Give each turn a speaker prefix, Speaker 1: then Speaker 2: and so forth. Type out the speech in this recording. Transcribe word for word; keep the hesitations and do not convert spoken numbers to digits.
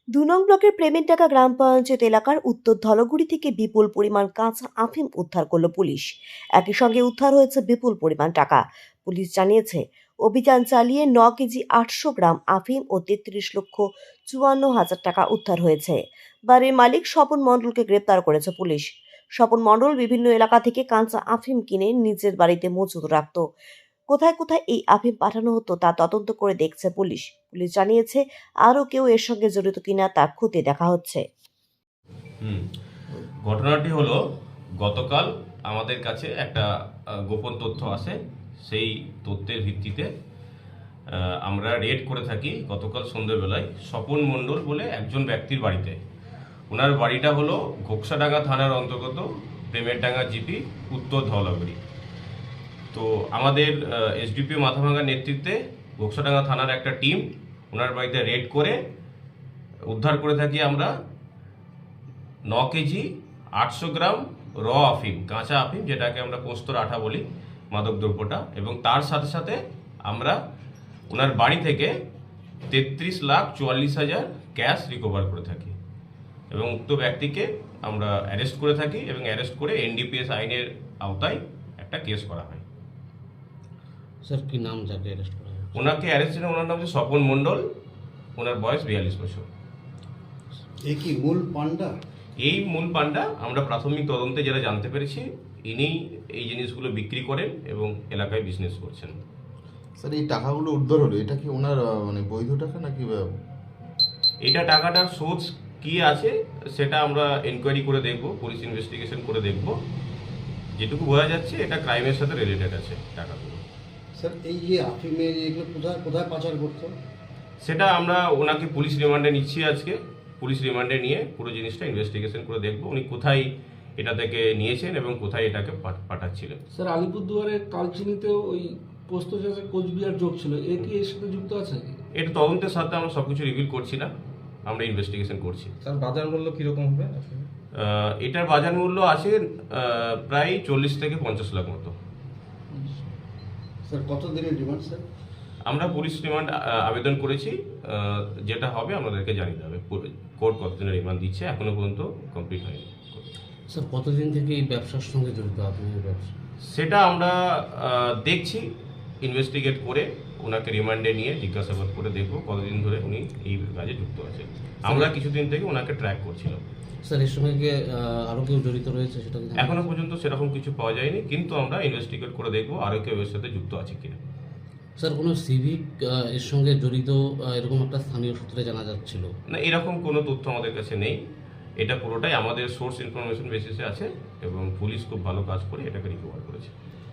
Speaker 1: দু নং ব্লকের প্রেমেরডাঙ্গা গ্রাম পঞ্চায়েত এলাকার উত্তর ধলগুড়ি থেকে বিপুল পরিমাণ কাঁচা আফিম উদ্ধার করল পুলিশ। একই সঙ্গে উদ্ধার হয়েছে বিপুল পরিমাণ টাকা। পুলিশ জানিয়েছে, অভিযান চালিয়ে ন কেজি আটশো গ্রাম আফিম ও তেত্রিশ লক্ষ চুয়ান্ন হাজার টাকা উদ্ধার হয়েছে। বাড়ির মালিক স্বপন মণ্ডলকে গ্রেপ্তার করেছে পুলিশ। স্বপন মণ্ডল বিভিন্ন এলাকা থেকে কাঁচা আফিম কিনে নিজের বাড়িতে মজুত রাখত। কোথায় কোথায় এই আফিম পাঠানো হতো তা তদন্ত করে দেখছে পুলিশ। পুলিশ জানিয়েছে, আরও কেউ এর সঙ্গে জড়িত কিনা তা খতিয়ে দেখা হচ্ছে।
Speaker 2: হুম ঘটনাটি হলো, গতকাল আমাদের কাছে একটা গোপন তথ্য আসে। সেই তথ্যের ভিত্তিতে আমরা রেড করে থাকি গতকাল সন্ধ্যেবেলায় স্বপন মণ্ডল বলে একজন ব্যক্তির বাড়িতে। ওনার বাড়িটা হলো ঘোকসাডাঙ্গা থানার অন্তর্গত প্রেমেরডাঙ্গা জিপি, উত্তর ধলাগুড়ি। তো আমাদের এসডিপি মাথাভাঙ্গার নেতৃত্বে ঘোকসাডাঙ্গা থানার একটা টিম ওনার বাড়িতে রেড করে উদ্ধার করে থাকি আমরা ন কেজি আটশো গ্রাম র আফিম, কাঁচা আফিম, যেটাকে আমরা পোস্তর আঠা বলি, মাদক দ্রব্যটা। এবং তার সাথে সাথে আমরা ওনার বাড়ি থেকে তেত্রিশ লাখ চুয়াল্লিশ হাজার ক্যাশ রিকভার করে থাকি এবং উক্ত ব্যক্তিকে আমরা অ্যারেস্ট করে থাকি এবং অ্যারেস্ট করে এনডিপিএস আইনের আওতায় একটা কেস করা হয়।
Speaker 3: স্যার কি নাম যাকে অ্যারেস্ট করা হয়?
Speaker 2: ওনাকে অ্যারেস্ট ছিলেন, ওনার নাম হচ্ছে স্বপন মণ্ডল, ওনার বয়স বিয়াল্লিশ বছর।
Speaker 4: এই কি মূল পান্ডা?
Speaker 2: এই মূল পান্ডা আমরা প্রাথমিক তদন্তে যারা জানতে পেরেছি, ইনি এই জিনিসগুলো বিক্রি করেন এবং এলাকায় বিজনেস করছেন।
Speaker 5: স্যার, এই টাকাগুলো উদ্ধার হলো, এটা কি ওনার মানে বৈধ টাকা নাকি?
Speaker 2: এটা টাকাটার সোর্স কি আছে সেটা আমরা এনকোয়ারি করে দেখব, পুলিশ ইনভেস্টিগেশন করে দেখব। যেটুকু বোঝা যাচ্ছে এটা ক্রাইমের সাথে রিলেটেড আছে টাকাগুলো।
Speaker 4: স্যার, এই যে আফিমের এগুলো কোথায় কোথায় পাচার করতো?
Speaker 2: সেটা আমরা ওনাকে পুলিশ রিমান্ডে নিচ্ছি আজকে। পুলিশ রিমান্ডে নিয়ে পুরো জিনিসটা ইনভেস্টিগেশন করে দেখব উনি কোথায় এটা থেকে নিয়েছেন এবং কোথায় এটাকে পাঠাচ্ছিলেন।
Speaker 6: স্যার, আলিপুরদুয়ারে কালচিনিতেও ওই পোস্ত চাষের কোচবিহার যোগ ছিল, এ কি এর সাথে যুক্ত আছে?
Speaker 2: এটা তদন্তের সাথে আমরা সবকিছু রিভিল করছি না, আমরা ইনভেস্টিগেশন করছি।
Speaker 6: স্যার, বাজার মূল্য কিরকম হবে?
Speaker 2: এটার বাজার মূল্য আছে প্রায় চল্লিশ থেকে পঞ্চাশ লাখ মতো।
Speaker 4: স্যার, কত দিনের ডিমান্ড স্যার?
Speaker 2: আমরা পুলিশ রিমান্ড আবেদন করেছি, যেটা হবে আমাদেরকে জানিয়ে দেবে কোর্ট কতদিনের রিমান্ড দিচ্ছে, এখনো পর্যন্ত কমপ্লিট হয়নি।
Speaker 3: স্যার, কতদিন থেকে এই ব্যবসার সঙ্গে জড়িত আপনি? ব্যবসা
Speaker 2: সেটা আমরা দেখছি, ইনভেস্টিগেট করে ওনাকে রিমান্ডে নিয়ে জিজ্ঞাসাবাদ করে দেখব কতদিন ধরে উনি এই কাজে যুক্ত আছে। আমরা কিছুদিন থেকে ওনাকে ট্র্যাক করছিলাম।
Speaker 3: স্যার, এর সঙ্গে কি আরও কেউ জড়িত রয়েছে সেটা?
Speaker 2: এখনো পর্যন্ত সেরকম কিছু পাওয়া যায়নি, কিন্তু আমরা ইনভেস্টিগেট করে দেখব আরও কেউ এর সাথে যুক্ত আছে কিনা।
Speaker 3: স্যার, কোনো সিভিক এর সঙ্গে জড়িত এরকম একটা স্থানীয় সূত্রে জানা যাচ্ছিল
Speaker 2: না, এরকম কোনো তথ্য আমাদের কাছে নেই। এটা পুরোটাই আমাদের সোর্স ইনফরমেশন বেসিসে আছে এবং পুলিশ খুব ভালো কাজ করে এটাকে রিকভার করেছে।